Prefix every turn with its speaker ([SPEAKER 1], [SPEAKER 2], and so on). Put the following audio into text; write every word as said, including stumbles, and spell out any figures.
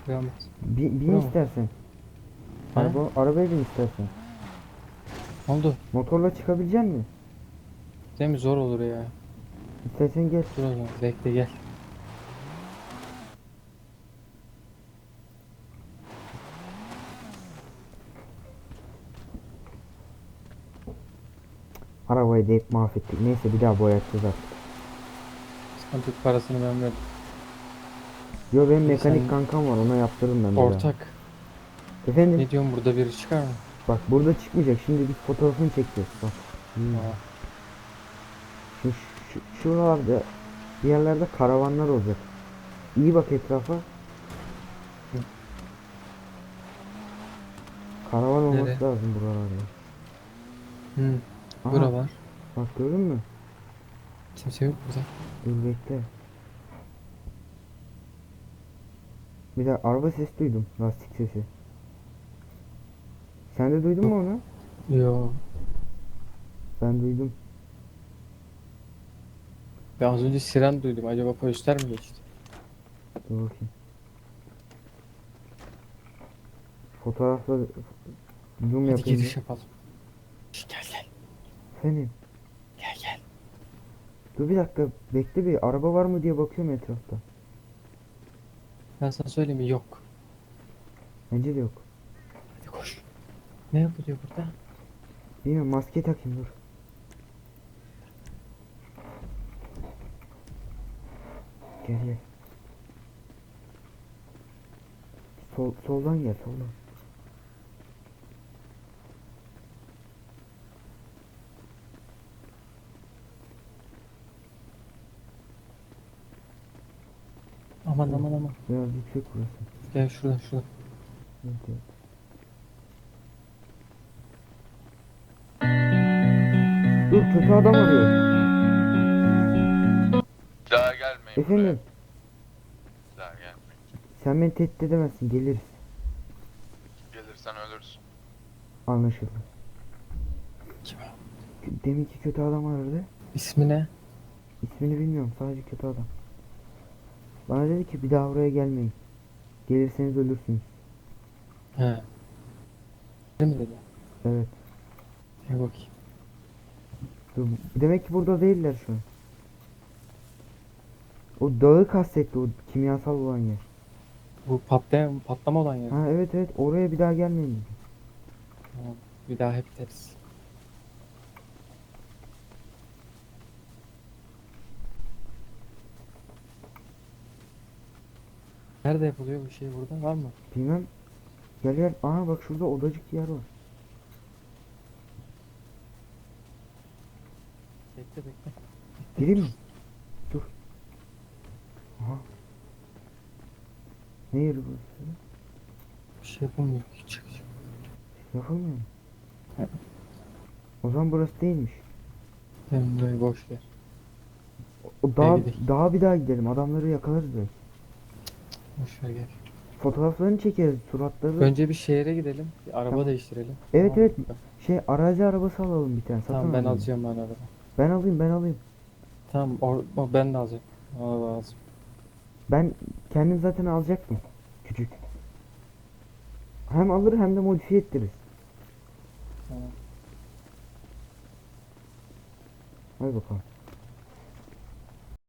[SPEAKER 1] Kıyamaz.
[SPEAKER 2] Bin, bin
[SPEAKER 1] Bura mı?
[SPEAKER 2] istersen.
[SPEAKER 1] Ha?
[SPEAKER 2] Araba, arabaya bin istersen.
[SPEAKER 1] Ne oldu?
[SPEAKER 2] Motorla çıkabilecek misin?
[SPEAKER 1] Değil mi? Zor olur ya.
[SPEAKER 2] İstersen gel.
[SPEAKER 1] Dur o zaman. Bekle gel.
[SPEAKER 2] Arabayı da hep mahvettik. Neyse bir daha boyatacağız artık.
[SPEAKER 1] Sıkıntı yok, parasını ben veririm.
[SPEAKER 2] Yo benim
[SPEAKER 1] İyi
[SPEAKER 2] mekanik
[SPEAKER 1] sen
[SPEAKER 2] kankam var, ona yaptırırım ben bir daha.
[SPEAKER 1] ortak.
[SPEAKER 2] Efendim,
[SPEAKER 1] Ne diyorsun, burada biri çıkar mı?
[SPEAKER 2] bak burada çıkmayacak, şimdi biz fotoğrafını çekeceğiz bak. Hmm.
[SPEAKER 1] Aa,
[SPEAKER 2] Şimdi şu, şu, şuralarda bir yerlerde karavanlar olacak. İyi bak etrafa.
[SPEAKER 1] hı.
[SPEAKER 2] Karavan
[SPEAKER 1] Nere?
[SPEAKER 2] olması lazım buralarda.
[SPEAKER 1] Hı.
[SPEAKER 2] Aha
[SPEAKER 1] Bura var.
[SPEAKER 2] bak, gördün mü?
[SPEAKER 1] Kimse yok burada.
[SPEAKER 2] Dur bekle. Bir de araba sesi duydum, lastik sesi. Sen de duydun
[SPEAKER 1] Yok.
[SPEAKER 2] mu onu?
[SPEAKER 1] Yo.
[SPEAKER 2] Ben duydum.
[SPEAKER 1] Ben az önce siren duydum. Acaba polisler mi geçti?
[SPEAKER 2] Dur bakayım. Fotoğrafla zoom
[SPEAKER 1] Hadi
[SPEAKER 2] yapayım bir.
[SPEAKER 1] giriş yapalım. Şş, gel gel.
[SPEAKER 2] Senin.
[SPEAKER 1] Gel gel.
[SPEAKER 2] Dur bir dakika, bekle, bir araba var mı diye bakıyorum etrafta.
[SPEAKER 1] Ben sana söyleyeyim mi? Yok.
[SPEAKER 2] Bence de yok.
[SPEAKER 1] Hadi koş. Ne yapılıyor burada?
[SPEAKER 2] Bilmiyorum, maske takayım dur. Gel gel. Sol, soldan gel, soldan.
[SPEAKER 1] Aman
[SPEAKER 2] Oh,
[SPEAKER 1] aman aman.
[SPEAKER 2] biraz yüksek burası.
[SPEAKER 1] Gel şuradan şuradan.
[SPEAKER 2] Evet, evet. Dur, kötü adam arıyor.
[SPEAKER 3] Daha gelmeyin buraya.
[SPEAKER 2] Efendim,
[SPEAKER 3] Daha gelmeyin.
[SPEAKER 2] sen beni tehdit edemezsin, geliriz.
[SPEAKER 3] Gelirsen ölürsün.
[SPEAKER 2] Anlaşıldı.
[SPEAKER 1] Kim o?
[SPEAKER 2] Deminki kötü adam aradı.
[SPEAKER 1] İsmi ne?
[SPEAKER 2] İsmini bilmiyorum, sadece kötü adam. Bana dedi ki bir daha buraya gelmeyin. Gelirseniz ölürsünüz.
[SPEAKER 1] He. Ne mi dedi?
[SPEAKER 2] Evet.
[SPEAKER 1] Bir bakayım.
[SPEAKER 2] Dur, demek ki burada değiller şu an. O dağı kastetti, o kimyasal olan yer.
[SPEAKER 1] Bu patlama, patlama olan yer.
[SPEAKER 2] Ha evet evet, oraya bir daha gelmeyin dedi.
[SPEAKER 1] Tamam. Bir daha hep deriz. Nerede yapılıyor bu şey burada? Var mı?
[SPEAKER 2] Bilmem. Gel gel. Aha bak, şurada odacık yer var.
[SPEAKER 1] Bekle bekle.
[SPEAKER 2] Gireyim mi? Dur. Aha. Ne yeri burası?
[SPEAKER 1] Bir şey yapılmıyor. Çık çık.
[SPEAKER 2] Yapılmıyor mu?
[SPEAKER 1] Evet.
[SPEAKER 2] O zaman burası değilmiş.
[SPEAKER 1] Hem böyle boş yer.
[SPEAKER 2] O
[SPEAKER 1] Gel
[SPEAKER 2] daha
[SPEAKER 1] gidelim.
[SPEAKER 2] daha bir daha gidelim. Adamları yakalarız belki.
[SPEAKER 1] Boş ver gel.
[SPEAKER 2] Fotoğraflarını çekeriz, suratları.
[SPEAKER 1] Önce bir şehre gidelim. Bir araba
[SPEAKER 2] Tamam.
[SPEAKER 1] değiştirelim.
[SPEAKER 2] Evet
[SPEAKER 1] Tamam
[SPEAKER 2] evet.
[SPEAKER 1] mı?
[SPEAKER 2] Şey, arazi arabası alalım bir tane. Satın
[SPEAKER 1] Tamam ben
[SPEAKER 2] alalım.
[SPEAKER 1] alacağım ben araba.
[SPEAKER 2] Ben alayım ben alayım.
[SPEAKER 1] Tamam or o ben de alacağım. Bana lazım.
[SPEAKER 2] Ben kendim zaten alacaktım. Küçük. Hem alır hem de modifiye ettiririz.
[SPEAKER 1] Tamam.
[SPEAKER 2] Hadi bakalım.